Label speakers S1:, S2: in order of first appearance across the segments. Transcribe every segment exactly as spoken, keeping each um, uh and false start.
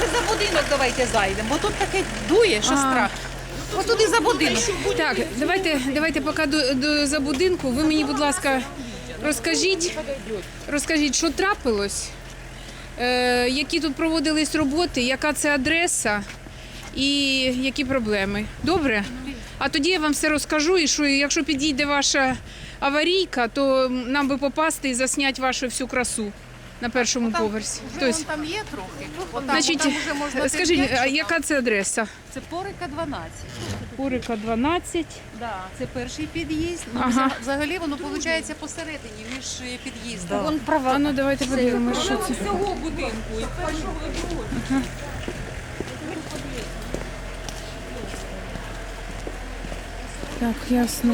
S1: за будинок давайте зайдемо, бо тут таке дує, що
S2: А.
S1: страх. Ось туди за будинок.
S2: Так, давайте, давайте поки до, до за будинку. Ви мені, будь ласка, розкажіть, розкажіть, що трапилось, е, які тут проводились роботи, яка це адреса і які проблеми. Добре? А тоді я вам все розкажу, і що якщо підійде ваша аварійка, то нам би попасти і засняти вашу всю красу на першому поверсі.
S1: Вже
S2: Тобто,
S1: вон там є трохи. Отам,
S2: значить,
S1: отам вже можна
S2: скажіть,
S1: п'ять,
S2: а
S1: що
S2: яка
S1: там.
S2: це адреса?
S1: Це Порика дванадцять.
S2: Курика дванадцять.
S1: Да, це перший під'їзд. Ну,
S2: Ага.
S1: вза- Взагалі воно виходить посередині між е, під'їздами.
S2: Вон права. А ну давайте подивимося, що це.
S1: Всього будинку і першого і другого.
S2: Так, ясно.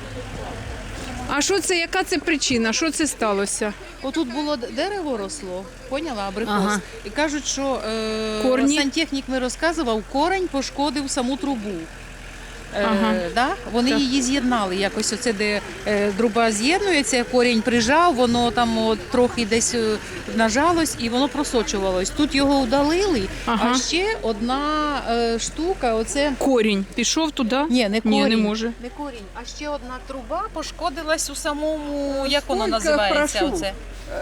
S2: А що це, яка це причина? Що це сталося?
S1: Отут було д- дерево росло, поняла, абрикос.
S2: Ага.
S1: І кажуть, що е,
S2: Корні?
S1: сантехнік ми розказував, корень пошкодив саму трубу. Е,
S2: Ага.
S1: да? Вони
S2: Так.
S1: її з'єднали якось, оце, де е, труба з'єднується, корінь прижав, воно там от, трохи десь е, нажалось і воно просочувалось. Тут його удалили,
S2: Ага.
S1: а ще одна е, штука, оце...
S2: Корінь пішов туди?
S1: Ні, не корінь.
S2: Ні, не може.
S1: Не корінь, а ще одна труба пошкодилась у самому, як воно
S3: Скільки,
S1: називається?
S3: прошу?
S1: Оце?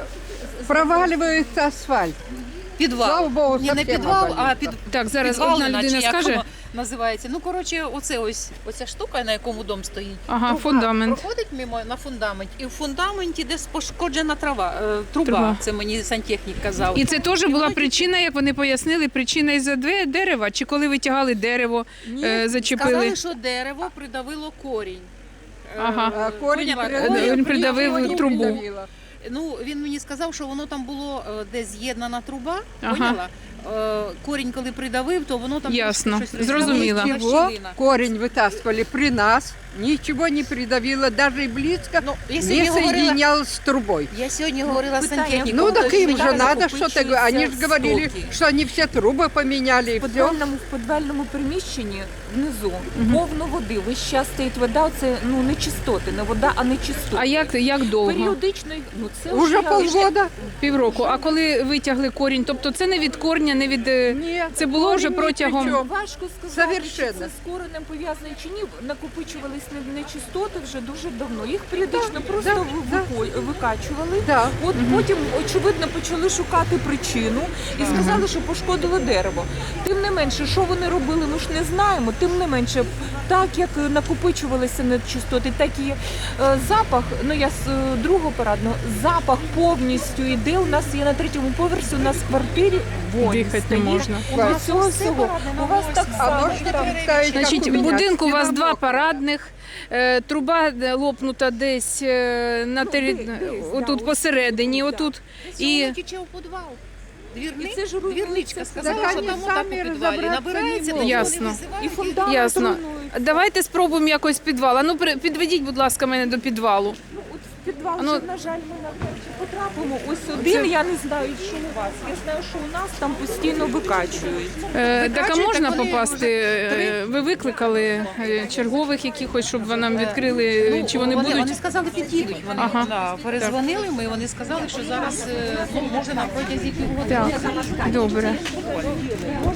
S3: Проваливается асфальт.
S1: Підвал.
S3: Слава Богу,
S1: Ні, не
S3: совсем
S1: підвал,
S3: обвалило.
S1: а під...
S2: Так, зараз
S1: підвалина,
S2: одна
S1: чи
S2: людина
S1: як
S2: скаже.
S1: воно називається. Ну, коротше, оце ось, оця штука, на якому дом стоїть.
S2: Ага,
S1: Труба
S2: фундамент.
S1: проходить мимо на фундаменті, і в фундаменті десь пошкоджена трава, е, труба.
S2: Труба.
S1: Це мені сантехнік казав.
S2: І це теж
S1: І
S2: була
S1: воно
S2: причина, як вони пояснили, причина із-за две- дерева, чи коли витягали дерево, е, зачепили.
S1: Сказали, що дерево придавило корінь. Е,
S2: Ага.
S3: А корень
S1: поняла?
S3: придавил,
S2: Він придавив
S3: корень
S2: трубу.
S3: придавило.
S1: Ну, він мені сказав, що воно там було е, десь з'єднана труба,
S2: Ага.
S1: поняла? Е, Корінь, коли придавив, то воно там
S2: Ясно.
S1: щось
S2: Зрозуміла.
S1: розтягнулося,
S3: Ничего,
S1: щілина.
S3: корень вытаскивали при нас, ничего не придавило, даже и близко
S1: Ну, я
S3: не
S1: сьогодні говорила,
S3: соединялось с трубой.
S1: я сьогодні говорила з сантехніком.
S3: Ну так
S1: то
S3: им
S1: він
S3: же
S1: каже,
S3: надо что-то, они же говорили,
S1: стоки.
S3: что они все трубы поменяли и
S4: В
S3: все.
S4: підвальному, в підвальному приміщенні внизу повно води. Весь час стоїть вода, це ну не чистоти, не вода, а не чистоти.
S2: А як, як довго?
S4: Періодично, ну це
S3: Уже полгода.
S2: Півроку. А коли витягли корінь, тобто це не від корня, не від... е,
S3: Нет,
S2: Це було
S3: корень
S2: вже
S3: ни
S2: протягом-
S3: при чём.
S4: Важко сказати,
S3: Совершенно.
S4: чи це з коренем пов'язане чи ні. Накопичувались не- нечистоти вже дуже давно. Їх періодично просто
S3: да,
S4: вико- викачували.
S3: Да.
S4: От потім, очевидно, почали шукати причину і сказали, що пошкодило дерево. Тим не менше, що вони робили, ми ж не знаємо. Тим не менше, так як накопичувалися нечистоти, так і е, запах, ну я з е, другого парадного, запах повністю йде. У нас є на третьому поверсі, у нас в квартирі вонь
S2: Дихати не
S4: стоїть.
S2: можна.
S4: У нас цього всього. У вас так
S3: А
S4: само.
S3: можете представить, как
S2: Значить,
S3: у
S2: в
S3: меня
S2: будинку у вас
S3: стена
S2: два
S3: мокрая.
S2: парадних, е, труба е, лопнута десь е, на тері...
S4: десь, да,
S2: отут
S4: ось
S2: посередині,
S4: тут,
S2: отут.
S1: І
S2: І
S1: тече у підвал. Двірник,
S4: І це ж руйнується
S1: двірничка
S4: все.
S1: сказала,
S3: Так
S1: що
S3: вони
S1: там отак у
S3: самі
S1: підвалі
S3: розібратися
S1: набирається,
S3: не
S1: то
S3: можуть.
S2: Ясно.
S1: вони визивають
S4: І фундамент
S2: Ясно.
S4: руйнується.
S2: Давайте спробуємо якось підвал. А ну при- підведіть, будь ласка, мене до підвалу.
S4: Ну, от в підвал,
S2: Ну,
S4: вже, на жаль, ми навряд чи потрапимо. Ось один, я не знаю, що у вас. Я знаю, що у нас там постійно викачують.
S2: Е, так а
S1: Викачують,
S2: можна
S1: так вони
S2: попасти?
S1: вже три-
S2: Е, Ви викликали е, чергових якихось, щоб ви нам відкрили,
S1: Ну,
S2: чи вони
S1: вони,
S2: будуть?
S1: Вони сказали, підійдуть. Вони
S2: Ага.
S1: да, перезвонили ми, вони сказали, що зараз е, ну, може на протязі півгодини.
S2: Так, добре.